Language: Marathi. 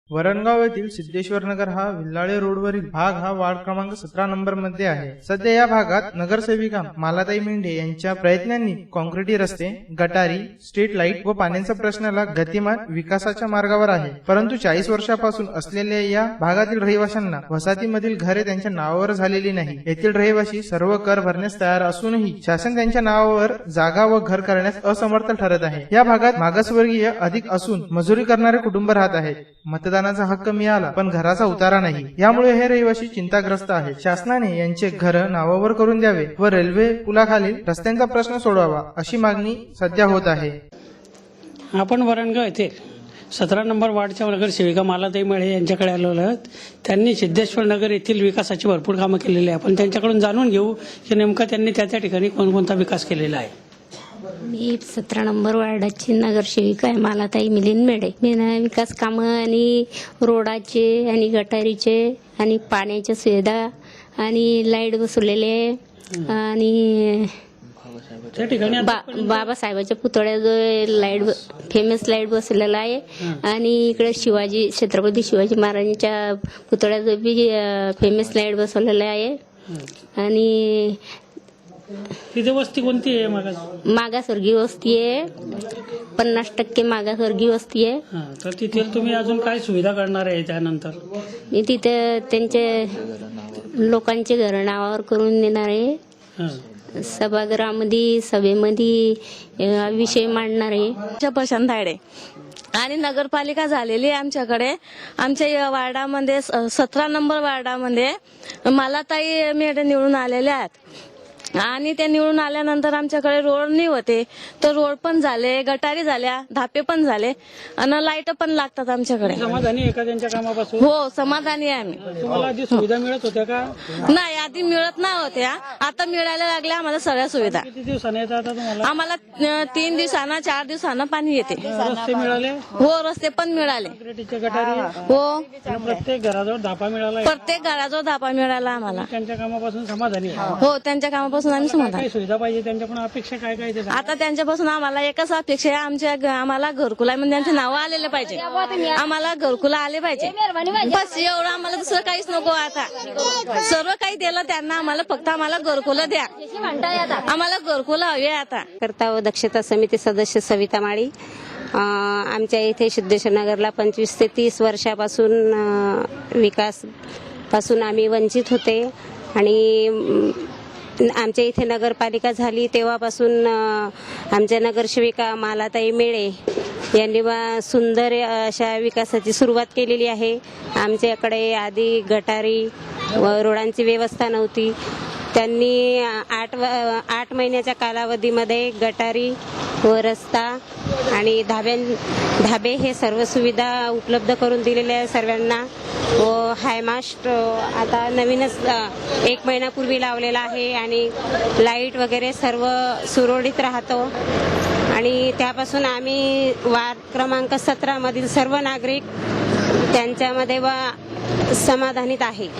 वरणगाव येथील सिद्धेश्वर नगर हा विल्लाळे रोडवरील भाग हा वार्ड क्रमांक 17 नंबर मध्ये आहे। सध्या या भागात नगरसेविका मालाताई मेंढे यांच्या प्रयत्नांनी कॉन्क्रीटी रस्ते, गटारी, स्ट्रीट लाईट व पाण्याच्या प्रश्नाला गतिमान विकासाच्या मार्गावर आहे। परंतु 40 वर्षापासून असलेल्या या भागातील रहिवाशांना वसाहतीमधील घरे त्यांच्या नावावर झालेली नाही। येथील रहिवासी सर्व कर भरण्यास तयार असूनही शासन त्यांच्या नावावर जागा व घर करण्यास असमर्थ ठरत आहे। या भागात मागासवर्गीय अधिक असून मजुरी करणारे कुटुंब राहत आहेत। मतदानाचा हक्क मिळाला पण घराचा उतारा नाही, यामुळे हे रहिवासी चिंताग्रस्त आहेत। शासनाने यांचे घर नावावर करून द्यावे व रेल्वे पुलाखालील रस्त्यांचा प्रश्न सोडवावा अशी मागणी सध्या होत आहे। आपण वरणगाव येथे 17 नंबर वार्डच्या नगरसेविका मालाताई मेंढे यांच्याकडे आलो आहोत। त्यांनी सिद्धेश्वर नगर येथील विकासाची भरपूर कामं केलेली आहे। आपण त्यांच्याकडून जाणून घेऊ की नेमका त्यांनी त्या ठिकाणी कोणकोणता विकास केलेला आहे। मी 17 नंबर वार्डाची नगरसेविका आहे मालाताई मिलिंद मेंढे। मी विकास कामं आणि रोडाचे आणि गटारीचे आणि पाण्याच्या सुविधा आणि लाईट बसवलेले आणि त्या ठिकाणी बाबासाहेबांच्या पुतळ्यात लाईट फेमस लाईट बसवलेला आहे आणि इकडे शिवाजी छत्रपती शिवाजी महाराजांच्या पुतळ्यात बी फेमस लाईट बसवलेला आहे। आणि तिथे वस्ती कोणती आहे? मागासवर्गीय वस्ती आहे, 50% मागासवर्गीय वस्ती आहे। तर तिथे तुम्ही अजून काय सुविधा करणार आहे? त्यानंतर मी तिथे त्यांचे लोकांचे घर नावावर करून देणार आहे। सभागृहामध्ये सभेमध्ये विषय मांडणार आहे। प्रशांत धाडे आणि नगरपालिका झालेली आहे आमच्याकडे। आमच्या या वार्डामध्ये 17 नंबर वार्डामध्ये मालाताई मेंढे निवडून आलेल्या आहेत आणि ते निवडून आल्यानंतर आमच्याकडे रोड नाही होते, तर रोड पण झाले, गटारी झाल्या, धापे पण झाले आणि लाईट पण लागतात आमच्याकडे। समाधानी आहे का त्यांच्या कामापासून? हो, समाधानी आहे आम्ही। तुम्हाला आधी सुविधा मिळत होत्या का? नाही, आधी मिळत नाही होत्या, आता मिळायला लागल्या आम्हाला सगळ्या सुविधा। किती दिवसांनी येतात आता तुम्हाला? आम्हाला 3 दिवसांना 4 दिवसांना पाणी येते। रस्ते मिळाले? हो, रस्ते पण मिळाले। गटारी हो, प्रत्येक घराजवळ धापा मिळाला? प्रत्येक घराजवळ धापा मिळाला आम्हाला। त्यांच्या कामापासून समाधानी आहे? हो, त्यांच्या कामापासून आम्ही समाधानी। काय सुविधा पाहिजे त्यांच्याकडून? अपेक्षा काय काय? आता त्यांच्यापासून आम्हाला एकच अपेक्षा आहे, आम्हाला घरकुला म्हणजे त्यांचे नाव आलेले पाहिजे, आम्हाला घरकुला आले पाहिजे, बस एवढं। आम्हाला दुसरं काहीच नको। आता सर्व काही दिलं त्यांना, आम्हाला फक्त आम्हाला घरकुला द्या, आम्हाला घरकुला हवे। आता करता व दक्षता समिती सदस्य सविता माळी। आमच्या इथे सिद्धेश्वर नगरला 25 ते 30 वर्षापासून विकास पासून आम्ही वंचित होते आणि आमच्या इथे नगरपालिका झाली तेव्हापासून आमच्या नगरसेविका मालाताई मेंढे यांनी सुंदर अशा विकासाची सुरुवात केलेली आहे। आमच्याकडे आधी गटारी व रोडांची व्यवस्था नव्हती, त्यांनी 8 महिन्याच्या कालावधीमध्ये गटारी व रस्ता आणि धाबे हे सर्व सुविधा उपलब्ध करून दिलेल्या आहे सर्वांना। व हायमास्ट आता नवीनच 1 महिन्यापूर्वी लावलेला आहे आणि लाईट वगैरे सर्व सुरळीत राहतो आणि त्यापासून आम्ही वार्ड क्रमांक 17 मधील सर्व नागरिक त्यांच्यामध्ये समाधानीत आहे।